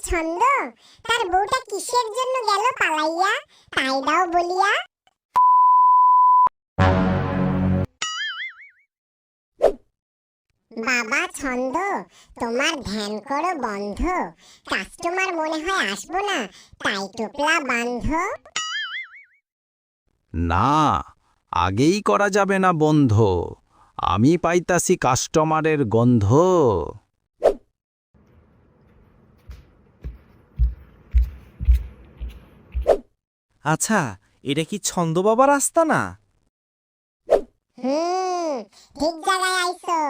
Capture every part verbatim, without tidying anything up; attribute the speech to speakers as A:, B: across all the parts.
A: ছন্দ, তার বউটা কিসের জন্য গেল পালাইয়া, তাই দাও বলিয়া। বাবা ছন্দ, তোমার ধ্যান করো বন্ধ, কাস্টমার মনে হয় আসবো না, তাই টোপলা বান্ধ।
B: না, আগেই করা যাবে না বন্ধ, আমি পাইতাছি কাস্টমারের গন্ধ।
C: আচ্ছা, এটা কি ছন্দ বাবার রাস্তা না?
A: হুম, ঠিক জায়গায় আইছো।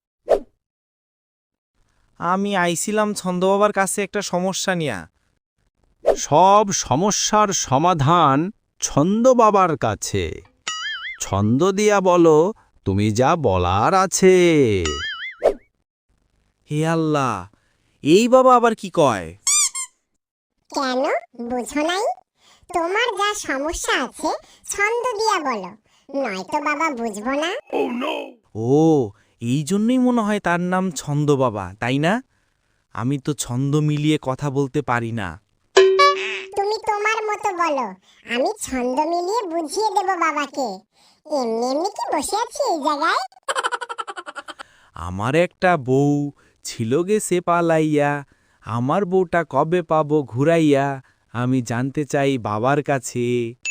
C: আমি আইছিলাম ছন্দ বাবার কাছে একটা সমস্যা নিয়া।
B: সব সমস্যার সমাধান ছন্দ বাবার কাছে। ছন্দ দিয়া বলো তুমি যা বলার আছে।
C: হে আল্লাহ, এই বাবা আবার কি কয়?
A: কেন বুঝো নাই? তোমার যা সমস্যা আছে ছন্দ দিয়া বলো, নয়তো বাবা বুঝবো না।
C: ও, এই জন্যই মনে হয় তার নাম ছন্দ বাবা, তাই না? আমি তো ছন্দ মিলিয়ে কথা বলতে পারি না।
A: তুমি তোমার মতো বলো, আমি ছন্দ মিলিয়ে বুঝিয়ে দেব বাবাকে। এমনি এমনি কি বসে আছি এই জায়গায়?
C: আমার একটা বউ ছিল গেছে পালাইয়া, আমার বউটা কবে পাবো ঘুরাইয়া, আমি জানতে চাই বাবার কাছে।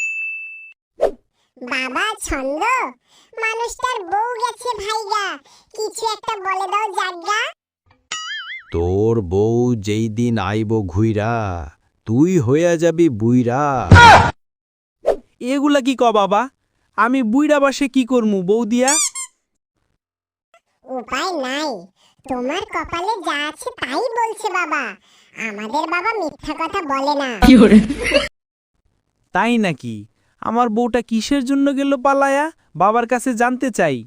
A: বাবা ছন্দ, মানুষটার বউ গেছে ভাইগা, কিছু একটা বলে দাও জাগা।
B: তোর বউ যেই দিন আইব ঘুইরা, তুই হইয়া যাবি বুইরা।
C: এগুলা কি ক বাবা? আমি বুইড়া বাসে কি করমু বউ দিয়া?
A: উপায় নাই, তোমার কপালে যা আছে তাই বলছে বাবা, আমাদের বাবা মিথ্যা কথা বলে না।
C: তাই নাকি? আমার বউটা কিসের জন্য গেল পালায়া, বাবার কাছে জানতে চাই।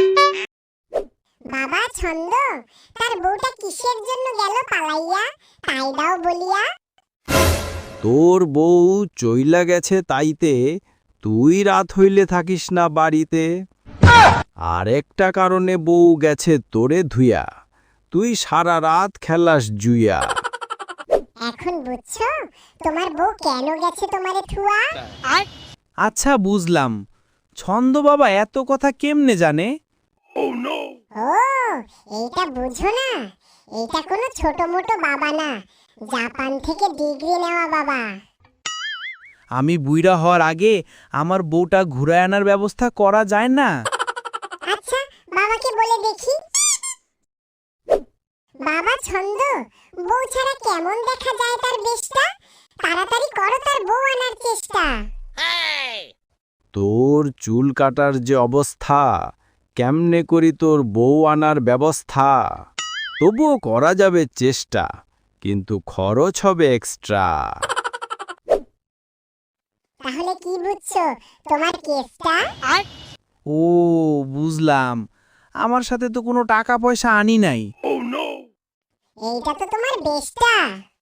A: বাবা ছন্দ, তার বউটা কিসের জন্য গেল পালাইয়া, তাই দাও বলিয়া।
B: তোর বউ চইলা গেছে তাইতে, তুই রাত হইলে থাকিস না বাড়িতে। আরেকটা কারণে বউ গেছে তোরে ধুইয়া, তুই সারা রাত খেলাস জুইয়া।
A: এখন বুঝছো তোমার বউ কেন গেছে তোমারে থুয়া?
C: আচ্ছা বুঝলাম, ছন্দ বাবা এত কথা কেমনে জানে?
A: ও, এইটা বুঝো না? এইটা কোনো ছোট মোটো বাবা না, জাপান থেকে ডিগ্রি নেওয়া বাবা।
C: আমি বুইড়া হওয়ার আগে আমার বউটা ঘুরায় আনার ব্যবস্থা করা যায় না?
A: আচ্ছা বাবাকে বলে দেখি। বাবা ছন্দ, বউ ছাড়া কেমন দেখা যায় তার বেশটা, তাড়াতাড়ি করো তার বউ আনার চেষ্টা।
B: তোর চুল কাটার যে অবস্থা, কেমনে করি তোর বউ আনার ব্যবস্থা। তবুও করা যাবে চেষ্টা, কিন্তু খরচ হবে এক্সট্রা।
A: তাহলে কি বুঝছো তোমার কেসটা?
C: ও বুঝলাম, আমার সাথে তো কোনো টাকা পয়সা আনি নাই।
A: এইটা তো তোমার বেশটা।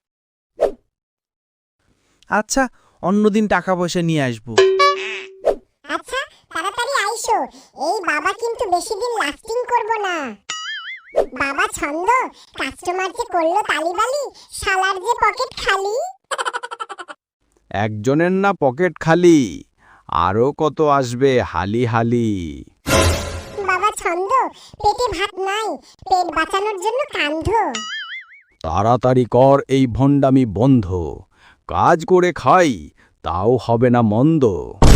C: আচ্ছা, অন্যদিন টাকা পয়সা নিয়ে আসবো।
A: আচ্ছা তাড়াতাড়ি আইসো, এই বাবা কিন্তু বেশি দিন লাস্টিং করবো না। বাবা ছন্দ, কাস্টমার যে করলো তালিবালি, শালার যে পকেট খালি।
B: একজনের না পকেট খালি, আরো কত আসবে হালি হালি।
A: বাবা ছন্দ, পেটে ভাত নাই, পেট বাঁচানোর জন্য কান্ধ।
B: তাড়াতাড়ি কর এই ভণ্ডামি বন্ধ, কাজ করে খাই তাও হবে না মন্দ।